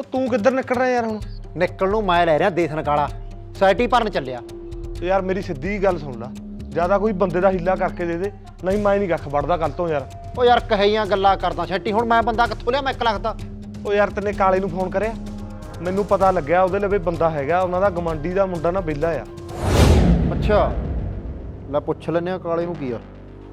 ਤੂੰ ਕਿੱਧਰ ਨਿਕਲ ਰਿਹਾ ਯਾਰ ਹੁਣ? ਨਿਕਲ ਨੂੰ ਮੈਂ ਲੈ ਰਿਹਾ ਦੇਸ ਨਕਾਲਾ ਸੋਸਾਇਟੀ ਭਰਨ ਚੱਲਿਆ। ਯਾਰ ਮੇਰੀ ਸਿੱਧੀ ਗੱਲ ਸੁਣ ਲੈ, ਜਿਆਦਾ ਕੋਈ ਬੰਦੇ ਦਾ ਹੀਲਾ ਕਰਕੇ ਦੇ ਦੇ, ਨਹੀਂ ਮੈਂ ਨਹੀਂ ਕੱਖ ਵੜਦਾ ਕੱਲ ਤੋਂ ਯਾਰ। ਉਹ ਯਾਰ ਕਹੀਆਂ ਗੱਲਾਂ ਕਰਦਾ ਛੱਟੀ, ਹੁਣ ਮੈਂ ਬੰਦਾ ਕਿੱਥੋਂ ਲਿਆ? ਮੈਂ 1 ਲੱਖ ਦਾ। ਉਹ ਯਾਰ ਤੈਨੇ ਕਾਲੇ ਨੂੰ ਫੋਨ ਕਰਿਆ? ਮੈਨੂੰ ਪਤਾ ਲੱਗਿਆ ਉਹਦੇ ਲਵੇ ਬੰਦਾ ਹੈਗਾ, ਉਹਨਾਂ ਦਾ ਗਵਾਂਢੀ ਦਾ ਮੁੰਡਾ ਨਾ ਵਿਹਲਾ ਆ। ਅੱਛਾ ਲੈ ਪੁੱਛ ਲੈਨੇ ਆ ਕਾਲੇ ਨੂੰ ਕੀ ਆ।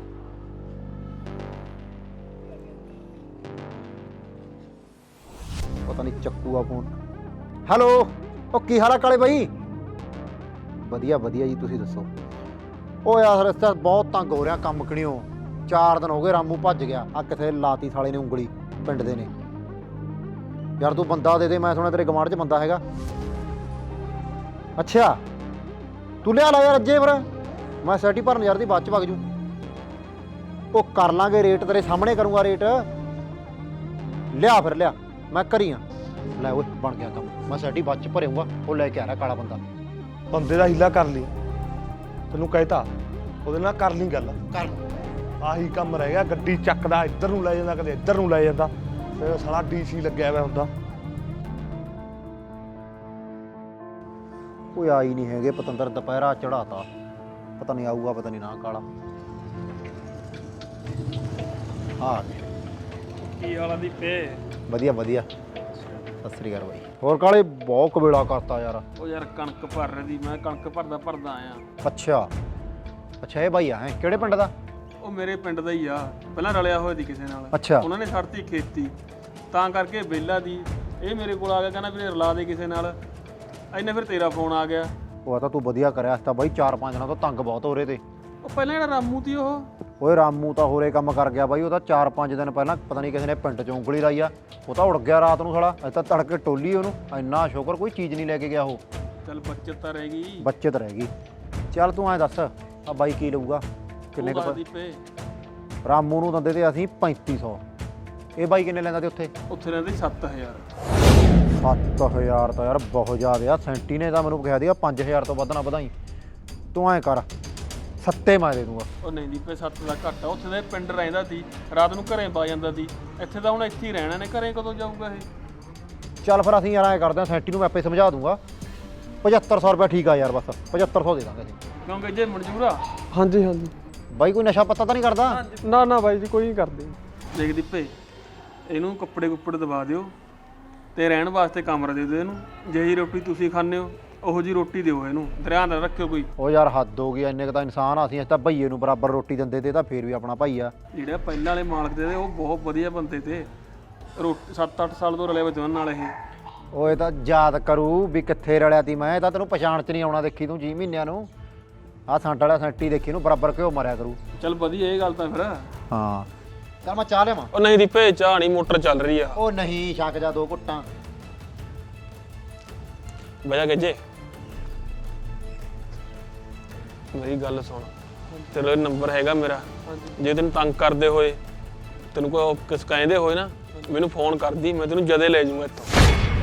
ਪਤਾ ਨਹੀਂ ਚੱਕੂ ਆ ਫੋਨ। ਹੈਲੋ, ਉਹ ਕੀ ਹਾਲ ਆ ਕਾਲੇ ਬਾਈ? ਵਧੀਆ ਵਧੀਆ ਜੀ, ਤੁਸੀਂ ਦੱਸੋ? ਉਹ ਯਾਰ ਰਸਤਾ ਬਹੁਤ ਤੰਗ ਹੋ ਰਿਹਾ ਕੰਮ ਕਣੀਓ। 4 ਦਿਨ ਹੋ ਗਏ ਰਾਮੂ ਭੱਜ ਗਿਆ। ਆ ਕਿਥੇ ਲਾਤੀ ਸਾਲੇ ਨੇ ਉਂਗਲੀ ਪਿੰਡ ਦੇ ਨੇ। ਯਾਰ ਤੂੰ ਬੰਦਾ ਦੇ ਦੇ, ਮੈਂ ਸੁਣਿਆ ਤੇਰੇ ਗਵਾਂਢ 'ਚ ਬੰਦਾ ਹੈਗਾ। ਅੱਛਾ ਤੂੰ ਲਿਆ ਲਾ ਯਾਰ ਅੱਜੇ, ਫਿਰ ਮੈਂ ਸੈਟੀ ਭਰਨ ਯਾਰ ਦੀ ਬਾਅਦ 'ਚ ਵਗ ਜੂ। ਉਹ ਕਰ ਲਾਂਗੇ ਰੇਟ, ਤੇਰੇ ਸਾਹਮਣੇ ਕਰੂੰਗਾ ਰੇਟ। ਲਿਆ ਫਿਰ ਲਿਆ, ਮੈਂ ਕਰੀ ਆ। ਲੈ ਓਏ ਬਣ ਗਿਆ ਕੰਮ, ਮੈਂ ਸੈਟੀ ਬਾਅਦ 'ਚ ਭਰੂੰਗਾ। ਉਹ ਲੈ ਕੇ ਆ ਰਿਹਾ ਕਾਲਾ ਬੰਦਾ। ਬੰਦੇ ਦਾ ਹੀਲਾ ਕਰ ਲਈ, ਤੈਨੂੰ ਕਹਿਤਾ ਉਹਦੇ ਨਾਲ ਕਰ ਲਈ ਗੱਲ। ਕਰ ਆਹੀ ਕੰਮ ਰਹਿ ਗਿਆ, ਗੱਡੀ ਚੱਕਦਾ ਇੱਧਰ ਨੂੰ ਲੈ ਜਾਂਦਾ, ਕਦੇ ਇੱਧਰ ਨੂੰ ਲੈ ਜਾਂਦਾ। ਤੇ ਸਾਲਾ ਡੀਸੀ ਲੱਗਿਆ ਹੋਇਆ ਹੁੰਦਾ। ਕੋਈ ਆਈ ਨਹੀਂ ਹੈਗੇ ਪਤੰਦਰ, ਦੁਪਹਿਰਾ ਚੜਾਤਾ। ਪਤਾ ਨਹੀਂ ਆਊਗਾ ਪਤਾ ਨਹੀਂ ਨਾ ਕਾਲਾ। ਆ ਕੀ ਹਾਲ ਆ ਦੀਪੇ? ਵਧੀਆ ਵਧੀਆ, ਸਤਿ ਸ੍ਰੀ ਅਕਾਲ ਬਾਈ। ਹੋਰ ਕਾਲੇ ਬਹੁਤ ਕਬੇਲਾ ਕਰਤਾ ਯਾਰ। ਉਹ ਯਾਰ ਕਣਕ ਭਰ ਰਹੀ ਦੀ, ਮੈਂ ਕਣਕ ਭਰਦਾ ਆਇਆ। ਅੱਛਾ ਅੱਛਾ, ਇਹ ਬਾਈ ਆ ਹੈ ਕਿਹੜੇ ਪਿੰਡ ਦਾ? ਉਹ ਮੇਰੇ ਪਿੰਡ ਦਾ ਹੀ ਆ, ਪਹਿਲਾਂ ਰਲਿਆ ਹੋਇਆ ਸੀ ਕਿਸੇ ਨਾਲ। ਅੱਛਾ ਉਹਨਾਂ ਨੇ ਛੱਡਤੀ ਖੇਤੀ, ਤਾਂ ਕਰਕੇ ਵਿਹਲਾ ਦੀ। ਇਹ ਮੇਰੇ ਕੋਲ ਆ ਗਿਆ, ਕਹਿੰਦਾ ਵੀਰੇ ਰਲਾ ਦੇ ਕਿਸੇ ਨਾਲ। ਇੰਨੇ ਫਿਰ ਤੇਰਾ ਫੋਨ ਆ ਗਿਆ। ਉਹ ਤਾਂ ਤੂੰ ਵਧੀਆ ਕਰਿਆ। ਤਾਂ ਬਾਈ 4-5 ਦਿਨਾਂ ਤੋਂ ਤੰਗ ਬਹੁਤ ਹੋ ਰਹੇ ਤੇ। ਉਹ ਪਹਿਲਾਂ ਜਿਹੜਾ ਰਾਮੂ ਤੀ ਉਹ ਓਏ ਰਾਮੂ ਤਾਂ ਹੋਰੇ ਕੰਮ ਕਰ ਗਿਆ ਬਾਈ। ਉਹ ਤਾਂ 4-5 ਦਿਨ ਪਹਿਲਾਂ ਪਤਾ ਨਹੀਂ ਕਿਸੇ ਨੇ ਪਿੰਡ 'ਚ ਉਂਗਲੀ ਲਾਈ ਆ। ਉਹ ਤਾਂ ਉੜ ਗਿਆ ਰਾਤ ਨੂੰ ਸਾਲਾ। ਅਸੀਂ ਤਾਂ ਤੜਕੇ ਟੋਲੀ ਉਹਨੂੰ। ਇੰਨਾ ਸ਼ੁਕਰ ਕੋਈ ਚੀਜ਼ ਨਹੀਂ ਲੈ ਕੇ ਗਿਆ ਉਹ। ਚੱਲ ਬੱਚਤ ਤਾਂ ਰਹਿ ਗਈ। ਬੱਚਤ ਰਹਿ ਗਈ। ਚੱਲ ਤੂੰ ਐਂ ਦੱਸ ਆ ਬਾਈ ਕੀ ਲਊਗਾ? ਕਿੰਨੇ ਕੁ ਦੀਪੇ? ਰਾਮੂ ਨੂੰ ਦਿੰਦੇ ਤੇ ਅਸੀਂ 3500। ਇਹ ਬਾਈ ਕਿੰਨੇ ਲੈਂਦਾ ਤੇ ਉੱਥੇ? ਉੱਥੇ ਰਹਿੰਦੇ 7000। 7000 ਤਾਂ ਯਾਰ ਬਹੁਤ ਜ਼ਿਆਦਾ ਆ। ਸੈਂਟੀ ਨੇ ਤਾਂ ਮੈਨੂੰ ਕਿਹਾ ਸੀਗਾ 5000 ਤੋਂ ਵੱਧ ਨਾ ਵਧਾਈ। ਤੂੰ ਐਂ ਕਰ, 7 ਮੈਂ ਦੇ ਦੂੰਗਾ। ਉਹ ਨਹੀਂ ਦੀਪੇ, 7 ਦਾ ਘੱਟ ਆ। ਉੱਥੇ ਦੇ ਪਿੰਡ ਰਹਿੰਦਾ ਸੀ, ਰਾਤ ਨੂੰ ਘਰੇ ਪਾ ਜਾਂਦਾ ਸੀ। ਇੱਥੇ ਤਾਂ ਹੁਣ ਇੱਥੇ ਹੀ ਰਹਿਣਾ ਨੇ, ਘਰੇ ਕਦੋਂ ਜਾਊਗਾ ਇਹ? ਚੱਲ ਫਿਰ ਅਸੀਂ ਯਾਰ ਐਂ ਕਰਦੇ ਹਾਂ, ਸੈਂਟੀ ਨੂੰ ਮੈਂ ਆਪੇ ਸਮਝਾ ਦੂੰਗਾ। 7500 ਰੁਪਏ ਠੀਕ ਆ ਯਾਰ, ਬਸ 7500 ਦੇ ਦਾਂਗੇ ਅਸੀਂ। ਕਿਉਂਕਿ ਜੇ ਮਨਜ਼ੂਰ ਆ। ਹਾਂਜੀ ਹਾਂਜੀ। ਬਾਈ ਕੋਈ ਨਸ਼ਾ ਪੱਤਾ ਤਾਂ ਨਹੀਂ ਕਰਦਾ? ਨਾ ਨਾ ਬਾਈ ਜੀ, ਕੋਈ ਨਹੀਂ ਕਰਦੇ। ਦੇਖ ਦੀਪੇ, ਇਹਨੂੰ ਕੱਪੜੇ ਕੁੱਪੜੇ ਦਵਾ ਦਿਓ ਤੇ ਰਹਿਣ ਵਾਸਤੇ ਕਮਰਾ ਦੇ ਦਿਓ ਇਹਨੂੰ। ਜਿਹੀ ਰੋਟੀ ਤੁਸੀਂ ਖਾਂਦੇ ਹੋ ਉਹੋ ਜੀ ਰੋਟੀ ਦਿਓ ਇਹਨੂੰ, ਧਿਆਨ ਨਾਲ ਰੱਖਿਓ ਕੋਈ। ਉਹ ਯਾਰ ਹੱਦ ਹੋ ਗਈ, ਇੰਨੇ ਕੁ ਤਾਂ ਇਨਸਾਨ ਆ ਅਸੀਂ ਤਾਂ ਭਈਏ ਨੂੰ ਬਰਾਬਰ ਰੋਟੀ ਦਿੰਦੇ ਤੇ ਤਾਂ ਫੇਰ ਵੀ ਆਪਣਾ ਭਾਈ ਆ। ਜਿਹੜੇ ਪਹਿਲਾਂ ਵਾਲੇ ਮਾਲਕ ਦੇ ਉਹ ਬਹੁਤ ਵਧੀਆ ਬੰਦੇ ਤੇ। 7-8 ਸਾਲ ਤੋਂ ਰਲੇ ਵਿੱਚ ਉਹਨਾਂ ਨਾਲ ਇਹ। ਉਹ ਇਹ ਤਾਂ ਯਾਦ ਕਰੂ ਵੀ ਕਿੱਥੇ ਰਲਿਆ ਤੀ ਮੈਂ। ਇਹ ਤਾਂ ਤੈਨੂੰ ਪਛਾਣ 'ਚ ਨਹੀਂ ਆਉਣਾ ਦੇਖੀ ਤੂੰ 6 ਮਹੀਨਿਆਂ ਨੂੰ। ਆਹ ਸੰਟ ਵਾਲਾ ਸੈਂਟੀ ਦੇਖੀ ਨੂੰ ਬਰਾਬਰ ਘਿਓ ਮਾਰਿਆ ਕਰੂ। ਚੱਲ ਵਧੀਆ ਇਹ ਗੱਲ ਤਾਂ ਫਿਰ। ਹਾਂ ਚੱਲ ਮੈਂ ਚਾਹ ਲਿਆਵਾਂ। ਉਹ ਨਹੀਂ ਦੀਪੇ, ਚਾਹ ਨਹੀਂ, ਮੋਟਰ ਚੱਲ ਰਹੀ ਆ। ਉਹ ਨਹੀਂ ਛੱਕ ਜਾ 2 ਘੁੱਟਾਂ। ਬਜਾ ਗੱਜੇ, ਮੇਰੀ ਗੱਲ ਸੁਣ। ਤੇਰਾ ਨੰਬਰ ਹੈਗਾ ਮੇਰਾ, ਜੇ ਤੈਨੂੰ ਤੰਗ ਕਰਦੇ ਹੋਏ, ਤੈਨੂੰ ਕੋਈ ਕਿਸ ਕਹਿੰਦੇ ਹੋਏ ਨਾ, ਮੈਨੂੰ ਫੋਨ ਕਰਦੀ, ਮੈਂ ਤੈਨੂੰ ਜਦੇ ਲੈ ਜਾਊਂਗਾ ਇੱਥੋਂ।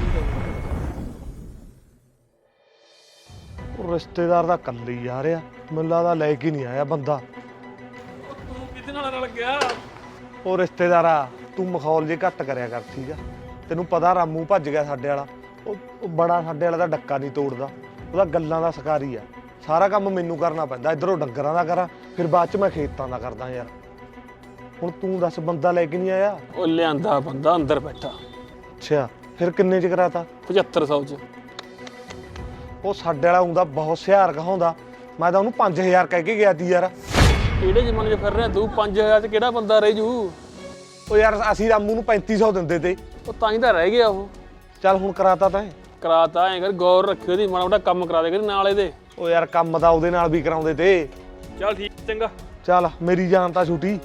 ਉਹ ਰਿਸ਼ਤੇਦਾਰ ਦਾ ਕੱਲ ਹੀ ਆ ਰਿਹਾ, ਮੈਨੂੰ ਲੱਗਦਾ ਲੈ ਕੇ ਨਹੀਂ ਆਇਆ ਬੰਦਾ। ਤੂੰ ਕਿਹਦੇ ਨਾਲ ਰਲ ਗਿਆ? ਉਹ ਰਿਸ਼ਤੇਦਾਰਾ ਤੂੰ ਮਖੌਲ ਜੇ ਘੱਟ ਕਰਿਆ ਕਰ, ਠੀਕ ਆ? ਤੈਨੂੰ ਪਤਾ ਰਾਮੂ ਭੱਜ ਗਿਆ ਸਾਡੇ ਵਾਲਾ। ਉਹ ਬੜਾ ਸਾਡੇ ਵਾਲਾ ਦਾ ਡੱਕਾ ਨਹੀਂ ਤੋੜਦਾ, ਉਹਦਾ ਗੱਲਾਂ ਦਾ ਸ਼ਿਕਾਰੀ ਆ। ਸਾਰਾ ਕੰਮ ਮੈਨੂੰ ਕਰਨਾ ਪੈਂਦਾ, ਇੱਧਰੋਂ ਡੰਗਰਾਂ ਦਾ ਕਰਾਂ, ਫਿਰ ਬਾਅਦ 'ਚ ਮੈਂ ਖੇਤਾਂ ਦਾ ਕਰਦਾ ਯਾਰ। ਹੁਣ ਤੂੰ ਦੱਸ, ਬੰਦਾ ਲੈ ਕੇ ਨਹੀਂ ਆਇਆ? ਉਹ ਲਿਆਂਦਾ ਬੰਦਾ ਅੰਦਰ ਬੈਠਾ। ਅੱਛਾ ਫਿਰ ਕਿੰਨੇ 'ਚ ਕਰਾਤਾ? 7500 'ਚ। ਉਹ ਸਾਡੇ ਵਾਲਾ ਹੁੰਦਾ ਬਹੁਤ ਸਿਆਰ ਕਹਾਉਂਦਾ। ਮੈਂ ਤਾਂ ਉਹਨੂੰ 5000 ਕਹਿ ਕੇ ਗਿਆ ਤੀ ਯਾਰ। ਕਿਹੜੇ ਜ਼ਮਾਨੇ 'ਚ ਫਿਰ ਰਿਹਾ ਤੂੰ? 5000 'ਚ ਕਿਹੜਾ ਬੰਦਾ ਰਹਿ ਜੂ? ਉਹ ਯਾਰ ਅਸੀਂ ਰਾਮੂ ਨੂੰ 3500 ਦਿੰਦੇ ਤੇ। ਉਹ ਤਾਂ ਹੀ ਤਾਂ ਰਹਿ ਗਿਆ ਉਹ। ਚੱਲ ਹੁਣ ਕਰਾਤਾ ਤਾਂ। ਕਰਾਤਾ ਐਂ ਕਰ, ਗੌਰ ਰੱਖਿਓ ਦੀ, ਮਾੜਾ ਮੋਟਾ ਕੰਮ ਕਰਾ ਦੇ ਕਰੀ ਨਾਲ ਇਹਦੇ। ਉਹ ਯਾਰ ਕੰਮ ਤਾਂ ਉਹਦੇ ਨਾਲ ਵੀ ਕਰਾਉਂਦੇ ਤੇ। ਚੱਲ ਠੀਕ, ਚੰਗਾ। ਚੱਲ ਮੇਰੀ ਜਾਨ ਤਾਂ ਛੁੱਟੀ।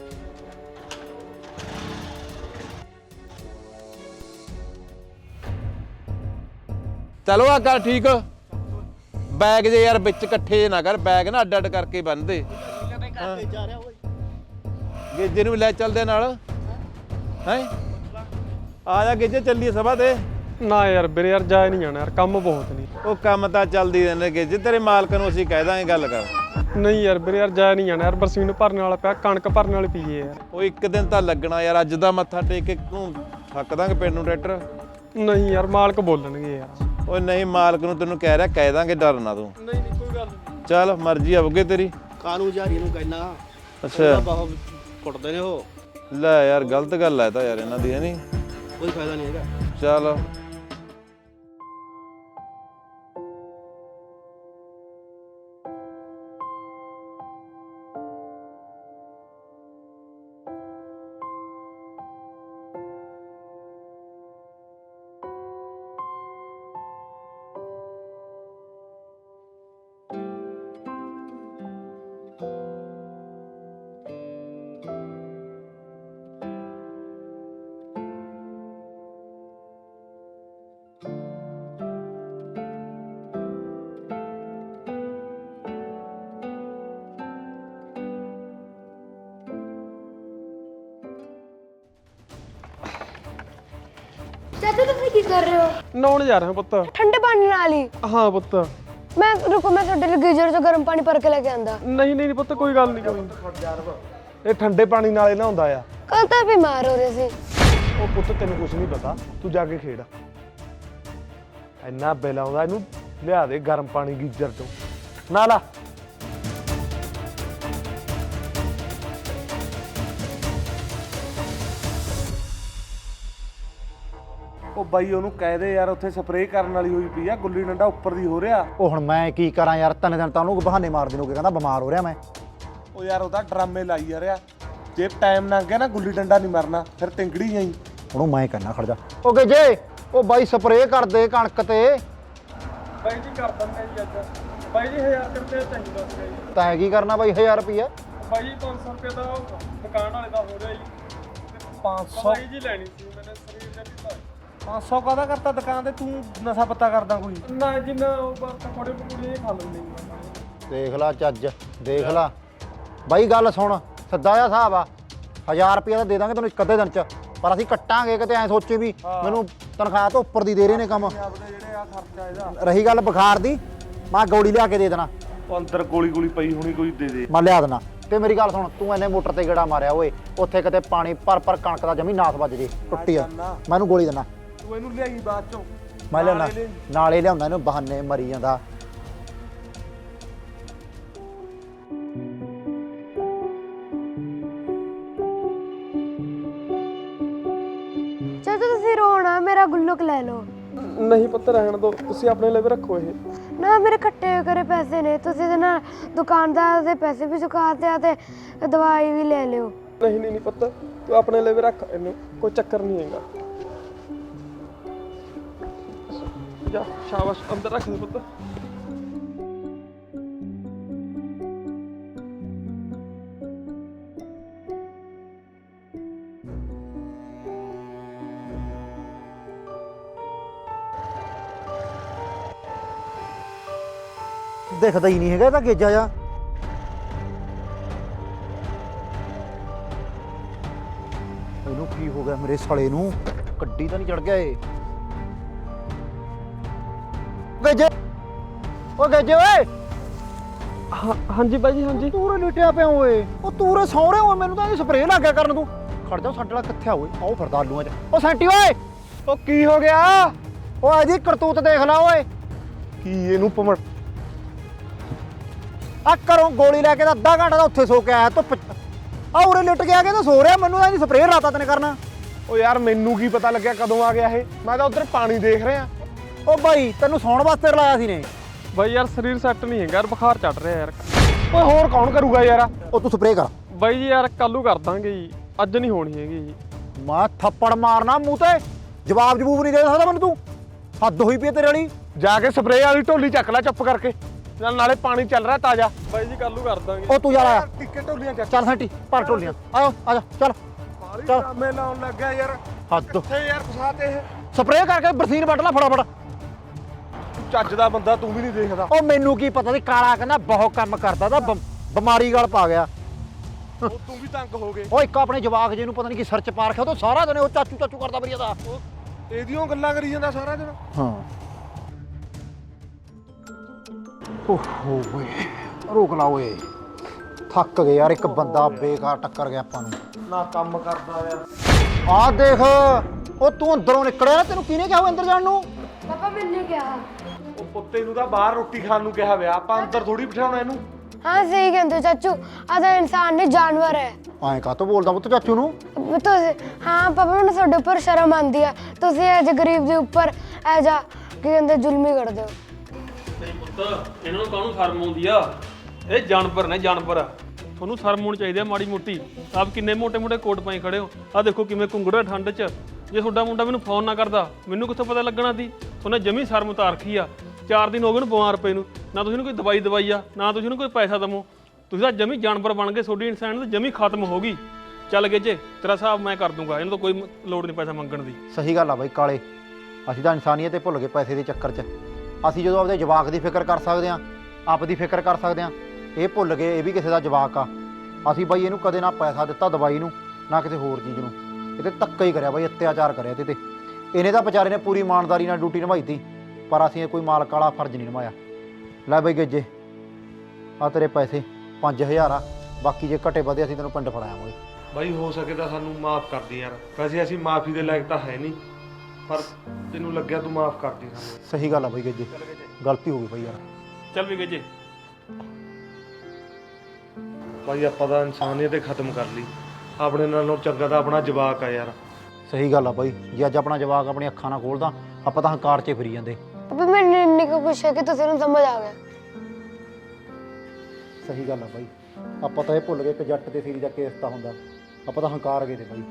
ਚਲੋ ਆ ਕਰ ਠੀਕ। ਬੈਗ ਜੇ ਯਾਰ ਵਿੱਚ ਇਕੱਠੇ ਨਾ ਕਰ, ਬੈਗ ਨਾ ਅੱਡ ਅੱਡ ਕਰਕੇ ਬੰਨ ਦੇ। ਗੇਜੇ ਨੂੰ ਵੀ ਲੈ ਚੱਲਦੇ ਨਾਲ। ਹੈ ਆ ਜਾ ਗੇਜੇ, ਚੱਲੀਏ ਸਭਾ ਤੇ। ਨਾ ਯਾਰ ਵੀਰੇ, ਯਾਰ ਜਾਇ ਨਹੀਂ ਜਾਣਾ ਯਾਰ, ਕੰਮ ਬਹੁਤ ਨਹੀਂ। ਉਹ ਕੰਮ ਤਾਂ ਚੱਲਦੀ ਰਹਿੰਦੇ ਗੇਜੇ, ਤੇਰੇ ਮਾਲਕ ਨੂੰ ਅਸੀਂ ਕਹਿ ਦਾਂਗੇ ਗੱਲ ਕਰ। ਨਹੀਂ ਯਾਰ ਵੀਰੇ, ਯਾਰ ਜਾਇ ਨਹੀਂ ਜਾਣਾ ਯਾਰ। ਬਰਸੀਨ ਭਰਨ ਵਾਲਾ ਪਿਆ, ਕਣਕ ਭਰਨ ਵਾਲੀ ਪਈਏ ਯਾਰ। ਉਹ ਇੱਕ ਦਿਨ ਤਾਂ ਲੱਗਣਾ ਯਾਰ, ਅੱਜ ਦਾ ਮੱਥਾ ਟੇਕ ਕੇ ਤੂੰ ਥੱਕ ਦਾਂਗੇ ਪਿੰਡ ਨੂੰ ਟਰੈਕਟਰ। ਨਹੀਂ ਯਾਰ ਮਾਲਕ ਬੋਲਣਗੇ ਯਾਰ। ਓਏ ਨਹੀਂ, ਮਾਲਕ ਨੂੰ ਤੈਨੂੰ ਕਹਿ ਰਿਹਾ, ਕਹਿ ਦਾਂਗੇ, ਡਰ ਨਾ ਤੂੰ। ਨਹੀਂ ਨਹੀਂ ਕੋਈ ਗੱਲ ਨਹੀਂ। ਚੱਲ ਮਰਜ਼ੀ ਆਉਗੇ ਤੇਰੀ। ਕਾਨੂੰ ਜਾਰੀ ਨੂੰ ਕਹਿਣਾ ਅੱਛਾ ਬਹੁਤ ਕੁੱਟਦੇ ਨੇ ਉਹ, ਲੈ ਯਾਰ ਗਲਤ ਗੱਲ ਹੈ ਤਾਂ ਯਾਰ ਇਹਨਾਂ ਦੀ, ਹੈ ਨਹੀਂ? ਕੋਈ ਫਾਇਦਾ ਨਹੀਂ ਹੈਗਾ। ਚੱਲ ਚਾਚਾ ਤੁਸੀਂ ਕੀ ਕਰ ਰਹੇ ਹੋ? ਨਹਾਉਣ ਜਾ ਰਿਹਾ ਪੁੱਤ। ਠੰਡੇ ਪਾਣੀ ਨਾਲ ਹੀ? ਹਾਂ ਪੁੱਤ। ਮੈਂ ਰੁਕੋ, ਮੈਂ ਤੁਹਾਡੇ ਲਈ ਗੀਜ਼ਰ ਤੋਂ ਗਰਮ ਪਾਣੀ ਭਰ ਕੇ ਲੈ ਕੇ ਆਂਦਾ। ਨਹੀਂ ਨਹੀਂ ਪੁੱਤ ਕੋਈ ਗੱਲ ਨਹੀਂ, ਕੋਈ ਨਹੀਂ। ਇਹ ਠੰਡੇ ਪਾਣੀ ਨਾਲ ਹੀ ਨਹਾਉਂਦਾ ਆ। ਕੱਲ ਤਾਂ ਬਿਮਾਰ ਹੋ ਰਹੇ ਸੀ। ਉਹ ਪੁੱਤ ਤੈਨੂੰ ਕੁਝ ਨਹੀਂ ਪਤਾ, ਤੂੰ ਜਾ ਕੇ ਖੇਡ। ਇੰਨਾ ਬਿੱਲ ਆਉਂਦਾ, ਇਹਨੂੰ ਲਿਆ ਦੇ ਗਰਮ ਪਾਣੀ ਗੀਜ਼ਰ ਤੋਂ ਨਾ ਲਾ। ਉਹ ਬਾਈ ਉਹਨੂੰ ਕਹਿ ਦੇ ਯਾਰ, ਉੱਥੇ ਸਪਰੇਅ ਕਰਨ ਵਾਲੀ ਹੋਈ ਪਈ ਆ, ਗੁੱਲੀ ਡੰਡਾ ਉੱਪਰ ਦੀ ਹੋ ਰਿਹਾ। ਉਹ ਹੁਣ ਮੈਂ ਕੀ ਕਰਾਂ ਯਾਰ, 3 ਦਿਨ ਤਾਂ ਉਹਨੂੰ ਬਹਾਨੇ ਮਾਰਦੇ ਨੂੰ ਕਹਿੰਦਾ ਬਿਮਾਰ ਹੋ ਰਿਹਾ ਮੈਂ। ਉਹ ਯਾਰ ਉਹਦਾ ਡਰਾਮੇ ਲਾਈ ਜਾ ਰਿਹਾ। ਜੇ ਟਾਈਮ ਲੰਘ ਗਿਆ ਨਾ ਗੁੱਲੀ ਡੰਡਾ ਨਹੀਂ ਮਰਨਾ, ਫਿਰ ਤਿੰਗੜੀ ਜਾਈ। ਉਹਨੂੰ ਮੈਂ ਕਹਿਣਾ ਖੜ ਜਾ। ਉਹ ਜੇ ਉਹ ਬਾਈ ਸਪਰੇਅ ਕਰ ਦੇ ਕਣਕ ਤੇ। ਬਾਈ ਜੀ ਕਰ ਦਿੰਦੇ ਜੀ ਅੱਜ। ਬਾਈ ਜੀ 1000 ਰੁਪਏ ਚਾਹੀਦਾ ਸੀਗਾ ਜੀ। ਤੈਂ ਕੀ ਕਰਨਾ ਬਾਈ 1000 ਰੁਪਈਆ? ਬਾਈ ਜੀ 500 ਰੁਪਏ ਦਾ ਦੁਕਾਨ ਵਾਲੇ ਦਾ ਹੋ ਰਿਹਾ ਜੀ। 500 ਬਾਈ ਜੀ ਲੈਣੀ ਸੀ ਮੈਨੇ ਸਰੀਰ ਦਾ ਵੀ 500 ਕਾਹਦਾ ਕਰਤਾ ਦੁਕਾਨ ਤੇ? ਤੂੰ ਨਸ਼ਾ ਪੱਤਾ ਕਰਦਾ ਕੋਈ? ਨਾ ਜੀ ਨਾ, ਉਹ ਬਸ ਪਕੌੜੇ ਪਕੌੜੇ ਖਾ ਲੈਂਦੇ ਜੀ। ਦੇਖ ਲਾ ਚੱਜ, ਦੇਖ ਲਾ ਬਾਈ, ਗੱਲ ਸੁਣ, ਸਿੱਧਾ ਜਿਹਾ ਹਿਸਾਬ ਆ। 1000 ਰੁਪਈਆ ਤਾਂ ਦੇ ਦਾਂਗੇ ਤੈਨੂੰ ਇੱਕ ਅੱਧੇ ਦਿਨ ਚ, ਪਰ ਅਸੀਂ ਕੱਟਾਂਗੇ। ਕਿਤੇ ਐ ਸੋਚੇ ਵੀ ਮੈਨੂੰ ਤਨਖਾਹ ਤੋਂ ਉੱਪਰ ਦੀ ਦੇ ਰਹੇ ਨੇ ਕੰਮ। ਜਿਹੜੇ ਆ ਖਰਚਾ ਇਹਦਾ। ਰਹੀ ਗੱਲ ਬੁਖਾਰ ਦੀ, ਮੈਂ ਗੋਲੀ ਲਿਆ ਕੇ ਦੇ ਦੇਣਾ। ਉਹ ਅੰਦਰ ਗੋਲੀ ਪਈ ਹੋਣੀ, ਕੋਈ ਦੇ ਦੇ। ਮੈਂ ਲਿਆ ਦੇਣਾ। ਤੇ ਮੇਰੀ ਗੱਲ ਸੁਣ, ਤੂੰ ਐਨੇ ਮੋਟਰ ਤੇ ਗੇੜਾ ਮਾਰਿਆ ਓਏ, ਉੱਥੇ ਕਿਤੇ ਪਾਣੀ ਭਰ ਕਣਕ ਦਾ ਜਮੀ ਨਾਸ ਵੱਜ ਜੇ ਟੁੱਟੀ ਆ, ਮੈਨੂੰ ਗੋਲੀ ਦੇਣਾ। ਤੂੰ ਇਹਨੂੰ ਲਿਆਈ ਬਾਅਦ ਚੋਂ। ਮੈਂ ਲਿਆਉਣਾ, ਨਾਲੇ ਲਿਆਉਂਦਾ ਇਹਨੂੰ, ਬਹਾਨੇ ਮਰੀ ਜਾਂਦਾ। ਚਾਚਾ ਤੁਸੀਂ ਰੋਣਾ, ਮੇਰਾ ਗੁੱਲਕ ਲੈ ਲਓ। ਨਹੀਂ ਪੁੱਤ ਰਹਿਣ ਦਿਓ, ਤੁਸੀਂ ਆਪਣੇ ਲਈ ਵੀ ਰੱਖੋ ਇਹ। ਨਾ ਮੇਰੇ ਇਕੱਠੇ ਕਰੇ ਪੈਸੇ ਨੇ, ਤੁਸੀਂ ਇਹਦੇ ਨਾਲ ਦੁਕਾਨਦਾਰ ਦੇ ਪੈਸੇ ਵੀ ਚੁਕਾਤੇ ਆ ਤੇ ਦਵਾਈ ਵੀ ਲੈ ਲਿਓ। ਨਹੀਂ ਨਹੀਂ ਪੁੱਤ, ਤੂੰ ਆਪਣੇ ਲਈ ਵੀ ਰੱਖ ਇਹਨੂੰ, ਕੋਈ ਚੱਕਰ ਨਹੀਂ ਹੈਗਾ। ਜਾ ਸ਼ਾਬਾਸ਼, ਅੰਦਰ ਰੱਖ ਦੇ ਪੁੱਤ। ਦਿਖਦਾ ਹੀ ਨਹੀਂ ਹੈਗਾ ਇਹਦਾ ਗੇਜਾ ਜਾ। ਇਹਨੂੰ ਕੀ ਹੋ ਗਿਆ ਮੇਰੇ ਸਾਲੇ ਨੂੰ? ਗੱਡੀ ਤਾਂ ਨਹੀਂ ਚੜ ਗਿਆ ਇਹ? ਗੇਜੇ, ਉਹ ਗੇਜੇ ਓਏ, ਹਾਂਜੀ ਬਾਈ ਜੀ, ਹਾਂਜੀ। ਤੂਰੇ ਲੁੱਟਿਆ ਪਿਆ ਓਏ। ਉਹ ਤੂਰੇ ਸੌਰੇ ਓਏ, ਮੈਨੂੰ ਤਾਂ ਇਹ ਸਪਰੇਅ ਲੱਗ ਗਿਆ ਕਰਨ ਤੂੰ। ਖੜ ਜਾ, ਸਾਡੇ ਵਾਲਾ ਕਿੱਥੇ ਆ ਓਏ? ਆਓ ਫਿਰਦਾ ਆਲੂਆਂ 'ਚ। ਉਹ ਸੈਂਟੀ ਓਏ, ਉਹ ਕੀ ਹੋ ਗਿਆ? ਓਏ ਇਹਦੀ ਕਰਤੂਤ ਦੇਖ ਲਾ ਓਏ। ਕੀ ਇਹਨੂੰ ਪਮੜ ਆ ਘਰੋਂ ਗੋਲੀ ਲੈ ਕੇ ਤਾਂ ਅੱਧਾ ਘੰਟਾ ਦਾ ਉੱਥੇ ਸੋ ਕੇ ਆਇਆ ਧੁੱਪ। ਆ ਉਰੇ ਲੁੱਟ ਗਿਆ ਕਿ ਤਾਂ ਸੋ ਰਿਹਾ, ਮੈਨੂੰ ਤਾਂ ਇਹਦੀ ਸਪਰੇਅ ਰਾਤਾ ਤੈਨੇ ਕਰਨਾ। ਉਹ ਯਾਰ ਮੈਨੂੰ ਕੀ ਪਤਾ ਲੱਗਿਆ ਕਦੋਂ ਆ ਗਿਆ ਇਹ? ਮੈਂ ਤਾਂ ਉਧਰ ਪਾਣੀ ਦੇਖ ਰਿਹਾ। ਉਹ ਬਾਈ ਤੈਨੂੰ ਸੌਣ ਵਾਸਤੇ ਰਲਾਇਆ ਸੀ ਨੇ। ਬਾਈ ਯਾਰ ਸਰੀਰ ਸੈੱਟ ਨਹੀਂ ਹੈਗਾ ਯਾਰ, ਬੁਖਾਰ ਚੜ ਰਿਹਾ ਯਾਰ। ਓਏ ਹੋਰ ਕੌਣ ਕਰੂਗਾ ਯਾਰ? ਉਹ ਤੂੰ ਸਪਰੇਅ ਕਰ। ਬਾਈ ਜੀ ਯਾਰ ਕੱਲੂ ਕਰ ਦਾਂਗੇ ਜੀ, ਅੱਜ ਨਹੀਂ ਹੋਣੀ ਹੈਗੀ ਜੀ। ਮੈਂ ਥੱਪੜ ਮਾਰਨਾ ਮੂੰਹ ਤੇ, ਜਵਾਬ ਜਬੂਬ ਨਹੀਂ ਦੇ ਸਕਦਾ ਮੈਨੂੰ ਤੂੰ। ਹੱਦ ਹੋਈ ਪਈ ਤੇਰੇ ਵਾਲੀ। ਜਾ ਕੇ ਸਪਰੇਅ ਵਾਲੀ ਢੋਲੀ ਚੱਕ ਲੈ ਚੁੱਪ ਕਰਕੇ, ਨਾਲੇ ਪਾਣੀ ਚੱਲ ਰਿਹਾ ਤਾਜ਼ਾ। ਬਾਈ ਜੀ ਕੱਲੂ ਕਰ ਦਾਂਗੇ। ਉਹ ਤੂੰ ਯਾਰ ਆਇਆ, ਟਿੱਕੇ ਢੋਲੀਆਂ ਚੱਕ। ਚੱਲ ਸੈਂਟੀ ਭਰ ਢੋਲੀਆਂ। ਆਓ ਆ ਜਾ, ਚੱਲ ਚੱਲ। ਮੈਂ ਲਾਉਣ ਲੱਗ ਗਿਆ ਯਾਰ। ਹੱਦ। ਕਿੱਥੇ ਯਾਰ ਫਸਾ ਤੇ ਇਹ? ਸਪਰੇਅ ਕਰਕੇ ਬਰਸੀਨ ਵੱਢ ਲੈ ਫਟਾਫਟ। ਚੱਜ ਦਾ ਬੰਦਾ ਤੂੰ ਵੀ ਨਹੀਂ ਦੇਖਦਾ। ਉਹ ਮੈਨੂੰ ਕੀ ਪਤਾ ਸੀ, ਕਾਲਾ ਕਹਿੰਦਾ ਬਹੁਤ ਕੰਮ ਕਰਦਾ ਤਾਂ ਬਿਮਾਰੀ ਗਲ ਪਾ ਗਿਆ। ਉਹ ਤੂੰ ਵੀ ਤੰਗ ਹੋ ਗਏ। ਉਹ ਇੱਕ ਆਪਣੇ ਜਵਾਕ ਜੇ ਨੂੰ ਪਤਾ ਨਹੀਂ ਕੀ ਸਰਚ ਪਾ ਰੱਖਿਆ, ਉਹ ਤਾਂ ਸਾਰਾ ਦਿਨ ਉਹ ਚਾਚੂ ਚਾਚੂ ਕਰਦਾ ਮੇਰੀ ਦਾ। ਇਹਦੀਆਂ ਗੱਲਾਂ ਕਰੀ ਜਾਂਦਾ ਸਾਰਾ ਦਿਨ। ਹਾਂ ਓਹੋ ਓਏ, ਰੋਕ ਲਾ ਓਏ, ਥੱਕ ਗਏ ਯਾਰ। ਇੱਕ ਬੰਦਾ ਬੇਕਾਰ ਟੱਕਰ ਗਿਆ ਆਪਾਂ ਨੂੰ। ਨਾ ਕੰਮ ਕਰਦਾ ਯਾਰ। ਆਹ ਦੇਖ ਉਹ ਤੂੰ ਅੰਦਰੋਂ ਨਿਕਲਿਆ, ਤੈਨੂੰ ਕਿਹਨੇ ਕਿਹਾ ਹੋਇਆ ਅੰਦਰ ਜਾਣ ਨੂੰ? ਪਾਪਾ ਮੈਨੇ ਕਿਹਾ। ਉਹ ਪੁੱਤੇ ਨੂੰ ਤਾਂ ਬਾਹਰ ਰੋਟੀ ਖਾਣ ਨੂੰ ਕਿਹਾ ਵਿਆ, ਆਪਾਂ ਅੰਦਰ ਥੋੜੀ ਬਿਠਾਉਣਾ ਇਹਨੂੰ। ਹਾਂ ਸਹੀ ਕਹਿੰਦੇ ਹੋ ਚਾਚੂ, ਆ ਤਾਂ ਇਨਸਾਨ ਨਹੀਂ ਜਾਨਵਰ ਹੈ। ਐਂ ਕਾਹਤੋਂ ਬੋਲਦਾ ਪੁੱਤ ਚਾਚੂ ਨੂੰ? ਤੁਸੀਂ ਹਾਂ ਪਾਪਾ ਮੈਨੂੰ ਤੁਹਾਡੇ ਉੱਪਰ ਸ਼ਰਮ ਆਉਂਦੀ ਆ, ਤੁਸੀਂ ਐਜ ਗਰੀਬ ਦੇ ਉੱਪਰ ਐਜਾ ਕੀ ਕਹਿੰਦੇ ਜ਼ੁਲਮੀ ਕਰਦੇ ਹੋ। ਨਹੀਂ ਪੁੱਤ, ਇਹਨਾਂ ਨੂੰ ਕਾਹਨੂੰ ਸ਼ਰਮ ਆਉਂਦੀ ਆ? ਇਹ ਜਾਨਵਰ ਨੇ, ਜਾਨਵਰ ਆ। ਤੁਹਾਨੂੰ ਸ਼ਰਮ ਹੋਣੀ ਚਾਹੀਦੀ ਆ ਮਾੜੀ ਮੋਟੀ। ਆਪ ਕਿੰਨੇ ਮੋਟੇ-ਮੋਟੇ ਕੋਟ ਪਾਈ ਖੜੇ ਹੋ, ਆ ਦੇਖੋ ਕਿਵੇਂ ਘੁੰਗੜਾ ਠੰਡ 'ਚ। ਜੇ ਤੁਹਾਡਾ ਮੁੰਡਾ ਮੈਨੂੰ ਫੋਨ ਨਾ ਕਰਦਾ, ਮੈਨੂੰ ਕਿੱਥੋਂ ਪਤਾ ਲੱਗਣਾ ਸੀ? ਤੁਹਾਨੂੰ ਜਮੀ ਸ਼ਰਮ ਉਤਾਰ ਰੱਖੀ ਆ। 4 ਦਿਨ ਹੋ ਗਏ ਨੂੰ ਬਿਮਾਰ ਪਏ ਨੂੰ, ਨਾ ਤੁਸੀਂ ਨੂੰ ਕੋਈ ਦਵਾਈ ਦਵਾਈ ਆ, ਨਾ ਤੁਸੀਂ ਨੂੰ ਕੋਈ ਪੈਸਾ ਦਮੋ। ਤੁਸੀਂ ਤਾਂ ਜਮੀ ਜਾਨਵਰ ਬਣ ਗਏ, ਤੁਹਾਡੀ ਇਨਸਾਨ ਤਾਂ ਜਮੀ ਖਤਮ ਹੋ ਗਈ। ਚੱਲ ਗਏ ਜੇ, ਤੇਰਾ ਹਿਸਾਬ ਮੈਂ ਕਰ ਦੂੰਗਾ, ਇਹਨੂੰ ਤਾਂ ਕੋਈ ਲੋੜ ਨਹੀਂ ਪੈਸਾ ਮੰਗਣ ਦੀ। ਸਹੀ ਗੱਲ ਆ ਬਾਈ ਕਾਲੇ, ਅਸੀਂ ਤਾਂ ਇਨਸਾਨੀਅਤ ਭੁੱਲ ਗਏ ਪੈਸੇ ਦੇ ਚੱਕਰ 'ਚ। ਅਸੀਂ ਜਦੋਂ ਆਪਦੇ ਜਵਾਕ ਦੀ ਫਿਕਰ ਕਰ ਸਕਦੇ ਹਾਂ, ਆਪ ਦੀ ਫਿਕਰ ਕਰ ਸਕਦੇ ਹਾਂ, ਇਹ ਭੁੱਲ ਗਏ ਇਹ ਵੀ ਕਿਸੇ ਦਾ ਜਵਾਕ ਆ। ਅਸੀਂ ਬਾਈ ਇਹਨੂੰ ਕਦੇ ਨਾ ਪੈਸਾ ਦਿੱਤਾ ਦਵਾਈ ਨੂੰ, ਨਾ ਕਿਸੇ ਹੋਰ ਚੀਜ਼ ਨੂੰ। ਇਹ ਤੇ ਧੱਕਾ ਹੀ ਕਰਿਆ ਬਾਈ, ਅਤਿਆਚਾਰ ਕਰਿਆ ਇਹਦੇ ਤੇ। ਇਹਨੇ ਤਾਂ ਵਿਚਾਰੇ ਨੇ ਪੂਰੀ ਇਮਾਨਦਾਰੀ ਨਾਲ ਡਿਊਟੀ ਨਿਭਾਈ ਤੀ, ਪਰ ਅਸੀਂ ਕੋਈ ਮਾਲਕ ਵਾਲਾ ਫਰਜ਼ ਨਹੀਂ ਨਿਭਾਇਆ। ਲੈ ਬਾਈ ਗੱਜੇ, ਆ ਤੇਰੇ ਪੈਸੇ 5000 ਆ, ਬਾਕੀ ਜੇ ਘਟੇ ਵਧੇ ਅਸੀਂ ਤੈਨੂੰ ਪਿੰਡ ਫੜਾਵਾਂਗੇ। ਬਾਈ ਹੋ ਸਕੇ ਤਾਂ ਸਾਨੂੰ ਮਾਫ ਕਰ ਦੀ ਯਾਰ, ਵੈਸੇ ਅਸੀਂ ਮਾਫੀ ਦੇ ਲਾਇਕ ਤਾਂ ਹੈ ਨਹੀਂ, ਪਰ ਤੈਨੂੰ ਲੱਗਿਆ ਤੂੰ ਮਾਫ ਕਰ ਦੀ ਸਾਨੂੰ। ਸਹੀ ਗੱਲ ਆ ਬਾਈ ਗੱਜੇ, ਗਲਤੀ ਹੋ ਗਈ ਬਾਈ ਯਾਰ। ਚੱਲ ਵੀ ਗਏ ਜੇ। ਬਾਈ ਆਪਾਂ ਤਾਂ ਇਨਸਾਨੀਅਤ ਖਤਮ ਕਰ ਲਈ, ਆਪਣੇ ਨਾਲੋਂ ਚੰਗਾ ਤਾਂ ਆਪਣਾ ਜਵਾਕ ਆ ਯਾਰ। ਸਹੀ ਗੱਲ ਆ ਬਾਈ, ਜੇ ਅੱਜ ਆਪਣਾ ਜਵਾਕ ਆਪਣੀ ਅੱਖਾਂ ਨਾਲ ਖੋਲਦਾ, ਆਪਾਂ ਤਾਂ ਹੰਕਾਰ 'ਚ ਫਿਰੀ ਜਾਂਦੇ। ਪਾਪਾ ਮੈਨੂੰ ਇੰਨੀ ਕੁ ਖੁਸ਼ ਹੈ ਕਿ ਤੁਸੀਂ ਨੂੰ ਸਮਝ ਆ ਗਿਆ। ਸਹੀ ਗੱਲ ਆ ਬਾਈ, ਆਪਾਂ ਤਾਂ ਇਹ ਭੁੱਲ ਗਏ ਕਿ ਜੱਟ ਤੇ ਸੀਰੀ ਦਾ ਕੇਸ ਤਾਂ ਹੁੰਦਾ, ਆਪਾਂ ਤਾਂ ਹੰਕਾਰ ਗਏ ਤੇ ਬਾਈ।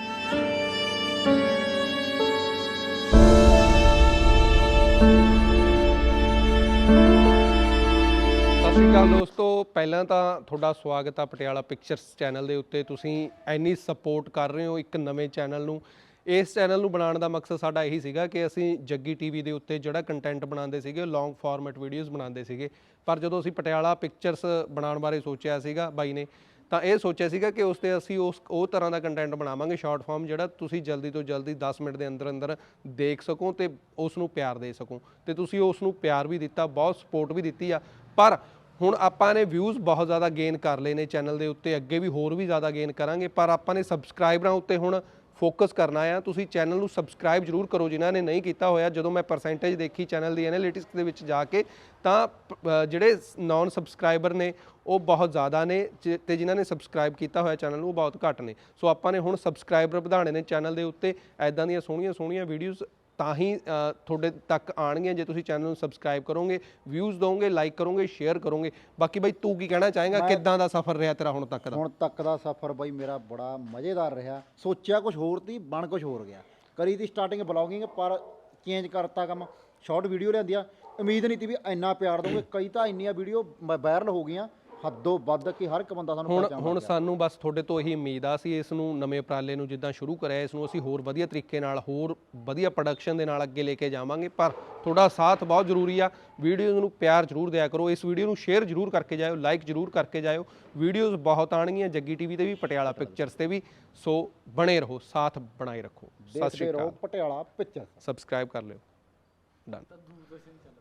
ਸਤਿ ਸ਼੍ਰੀ ਅਕਾਲ ਦੋਸਤੋ, ਪਹਿਲਾਂ ਤਾਂ ਤੁਹਾਡਾ ਸਵਾਗਤ ਆ ਪਟਿਆਲਾ ਪਿਕਚਰਸ ਚੈਨਲ ਦੇ ਉੱਤੇ। ਤੁਸੀਂ ਇੰਨੀ ਸਪੋਰਟ ਕਰ ਰਹੇ ਹੋ ਇੱਕ ਨਵੇਂ ਚੈਨਲ ਨੂੰ। ਇਸ ਚੈਨਲ ਨੂੰ ਬਣਾਉਣ ਦਾ ਮਕਸਦ ਸਾਡਾ ਇਹੀ ਸੀਗਾ ਕਿ ਅਸੀਂ ਜੱਗੀ ਟੀਵੀ ਦੇ ਉੱਤੇ ਜਿਹੜਾ ਕੰਟੈਂਟ ਬਣਾਉਂਦੇ ਸੀਗੇ, ਲੌਂਗ ਫਾਰਮੈਟ ਵੀਡੀਓਜ਼ ਬਣਾਉਂਦੇ ਸੀਗੇ, ਪਰ ਜਦੋਂ ਅਸੀਂ ਪਟਿਆਲਾ ਪਿਕਚਰਸ ਬਣਾਉਣ ਬਾਰੇ ਸੋਚਿਆ ਸੀਗਾ ਬਾਈ ਨੇ, ਤਾਂ ਇਹ ਸੋਚਿਆ ਸੀਗਾ ਕਿ ਉਸ 'ਤੇ ਅਸੀਂ ਉਹ ਤਰ੍ਹਾਂ ਦਾ ਕੰਟੈਂਟ ਬਣਾਵਾਂਗੇ, ਸ਼ਾਰਟ ਫਾਰਮ, ਜਿਹੜਾ ਤੁਸੀਂ ਜਲਦੀ ਤੋਂ ਜਲਦੀ 10 ਮਿੰਟ ਦੇ ਅੰਦਰ ਅੰਦਰ ਦੇਖ ਸਕੋ ਤੇ ਉਸ ਨੂੰ ਪਿਆਰ ਦੇ ਸਕੋ। ਤੇ ਤੁਸੀਂ ਉਸ ਨੂੰ ਪਿਆਰ ਵੀ ਦਿੱਤਾ, ਬਹੁਤ ਸਪੋਰਟ ਵੀ ਦਿੱਤੀ ਆ। ਪਰ ਹੁਣ ਆਪਾਂ ਨੇ ਵਿਊਜ਼ ਬਹੁਤ ਜ਼ਿਆਦਾ ਗੇਨ ਕਰ ਲਏ ਨੇ ਚੈਨਲ ਦੇ ਉੱਤੇ, ਅੱਗੇ ਵੀ ਹੋਰ ਵੀ ਜ਼ਿਆਦਾ ਗੇਨ ਕਰਾਂਗੇ, ਪਰ ਆਪਾਂ ਨੇ ਸਬਸਕ੍ਰਾਈਬਰਾਂ ਉੱਤੇ ਹੁਣ ਫੋਕਸ ਕਰਨਾ ਆ। ਤੁਸੀਂ ਚੈਨਲ ਨੂੰ ਸਬਸਕ੍ਰਾਈਬ ਜ਼ਰੂਰ ਕਰੋ ਜਿਨ੍ਹਾਂ ਨੇ ਨਹੀਂ ਕੀਤਾ ਹੋਇਆ। ਜਦੋਂ ਮੈਂ ਪਰਸੈਂਟੇਜ ਦੇਖੀ ਚੈਨਲ ਦੀ ਐਨਾਲਿਟਿਕਸ ਦੇ ਵਿੱਚ ਜਾ ਕੇ, ਤਾਂ ਜਿਹੜੇ ਨੌਨ ਸਬਸਕ੍ਰਾਈਬਰ ਨੇ ਉਹ ਬਹੁਤ ਜ਼ਿਆਦਾ ਨੇ, ਤੇ ਜਿਨ੍ਹਾਂ ਨੇ ਸਬਸਕ੍ਰਾਈਬ ਕੀਤਾ ਹੋਇਆ ਚੈਨਲ ਨੂੰ ਉਹ ਬਹੁਤ ਘੱਟ ਨੇ। ਸੋ ਆਪਾਂ ਨੇ ਹੁਣ ਸਬਸਕ੍ਰਾਈਬਰ ਵਧਾਉਣੇ ਨੇ ਚੈਨਲ ਦੇ ਉੱਤੇ। ਐਦਾਂ ਦੀਆਂ ਸੋਹਣੀਆਂ ਸੋਹਣੀਆਂ ਵੀਡੀਓਜ਼ ਤਾਂ ਹੀ ਤੁਹਾਡੇ ਤੱਕ ਆਉਣਗੀਆਂ ਜੇ ਤੁਸੀਂ ਚੈਨਲ ਨੂੰ ਸਬਸਕ੍ਰਾਈਬ ਕਰੋਗੇ, ਵਿਊਜ਼ ਦੋਗੇ, ਲਾਈਕ ਕਰੋਗੇ, ਸ਼ੇਅਰ ਕਰੋਗੇ। ਬਾਕੀ ਬਾਈ ਤੂੰ ਕੀ ਕਹਿਣਾ ਚਾਹੇਗਾ, ਕਿੱਦਾਂ ਦਾ ਸਫ਼ਰ ਰਿਹਾ ਤੇਰਾ ਹੁਣ ਤੱਕ ਦਾ? ਹੁਣ ਤੱਕ ਦਾ ਸਫ਼ਰ ਬਾਈ ਮੇਰਾ ਬੜਾ ਮਜ਼ੇਦਾਰ ਰਿਹਾ। ਸੋਚਿਆ ਕੁਝ ਹੋਰ ਤੀ, ਬਣ ਕੁਝ ਹੋਰ ਗਿਆ। ਕਰੀ ਤੀ ਸਟਾਰਟਿੰਗ ਬਲੌਗਿੰਗ, ਪਰ ਚੇਂਜ ਕਰਤਾ ਕੰਮ, ਸ਼ਾਰਟ ਵੀਡੀਓ ਲਿਆਂਦੀ ਆ। ਉਮੀਦ ਨਹੀਂ ਤੀ ਵੀ ਇੰਨਾ ਪਿਆਰ ਦੋਗੇ। ਕਈ ਤਾਂ ਇੰਨੀਆਂ ਵੀਡੀਓ ਵਾਇਰਲ ਹੋ ਗਈਆਂ ਹੱਦੋਂ ਵੱਧ ਕਿ ਹਰ ਇੱਕ ਬੰਦਾ ਸਾਨੂੰ ਪਹਿਚਾਣ ਹੁਣ ਸਾਨੂੰ ਬਸ ਤੁਹਾਡੇ ਤੋਂ ਇਹੀ ਉਮੀਦ ਆ। ਅਸੀਂ ਇਸ ਨੂੰ ਨਵੇਂ ਉਪਰਾਲੇ ਨੂੰ ਜਿੱਦਾਂ ਸ਼ੁਰੂ ਕਰਿਆ, ਇਸ ਨੂੰ ਅਸੀਂ ਹੋਰ ਵਧੀਆ ਤਰੀਕੇ ਨਾਲ, ਹੋਰ ਵਧੀਆ ਪ੍ਰੋਡਕਸ਼ਨ ਦੇ ਨਾਲ ਅੱਗੇ ਲੈ ਕੇ ਜਾਵਾਂਗੇ। ਪਰ ਤੁਹਾਡਾ ਸਾਥ ਬਹੁਤ ਜ਼ਰੂਰੀ ਆ। ਵੀਡੀਓਜ਼ ਨੂੰ ਪਿਆਰ ਜ਼ਰੂਰ ਦਿਆ ਕਰੋ, ਇਸ ਵੀਡੀਓ ਨੂੰ ਸ਼ੇਅਰ ਜ਼ਰੂਰ ਕਰਕੇ ਜਾਇਓ, ਲਾਈਕ ਜ਼ਰੂਰ ਕਰਕੇ ਜਾਇਓ। ਵੀਡੀਓਜ਼ ਬਹੁਤ ਆਉਣਗੀਆਂ ਜੱਗੀ ਟੀਵੀ ਤੇ ਵੀ, ਪਟਿਆਲਾ ਪਿਕਚਰਸ ਤੇ ਵੀ। ਸੋ ਬਣੇ ਰਹੋ, ਸਾਥ ਬਣਾਈ ਰੱਖੋ। ਸਤਿ ਸ਼੍ਰੀ ਅਕਾਲ। ਪਟਿਆਲਾ ਪਿਕਚਰ ਸਬਸਕ੍ਰਾਈਬ ਕਰ ਲਿਓ। ਡਨ।